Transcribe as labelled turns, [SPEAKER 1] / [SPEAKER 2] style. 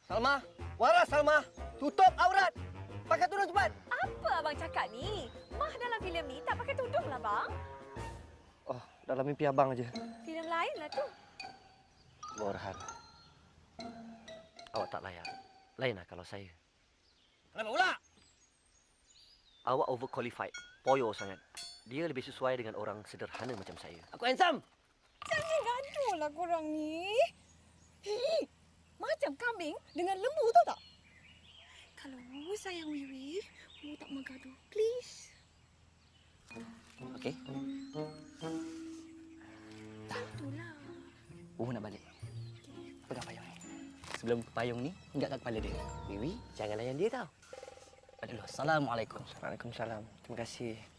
[SPEAKER 1] Salma, waras Salma. Tutup aurat. Pakai tudung cepat.
[SPEAKER 2] Apa abang cakap ni? Mah dalam filem ni tak pakai tudung lah bang.
[SPEAKER 1] Oh, dalam mimpi abang aja.
[SPEAKER 2] Filem lain lah tu.
[SPEAKER 3] Borhan, awak tak layak. Lainlah kalau saya.
[SPEAKER 1] Kenapa pula?
[SPEAKER 3] Awak overqualified. Poyo sangat. Dia lebih sesuai dengan orang sederhana macam saya.
[SPEAKER 1] Aku handsome.
[SPEAKER 2] Jangan gaduh lah korang ni. Hei, macam kambing dengan lembu tahu tak? Kalau Wu sayang Wiwi, Wu tak mau gaduh. Please.
[SPEAKER 4] Okey.
[SPEAKER 2] Itulah.
[SPEAKER 4] Nak balik. Pegang payung ni. Sebelum payung ni, hinggap kat kepala dia.
[SPEAKER 3] Wiwi, jangan layan dia tau.
[SPEAKER 4] Aduh, Assalamualaikum.
[SPEAKER 1] Waalaikumsalam. Terima kasih.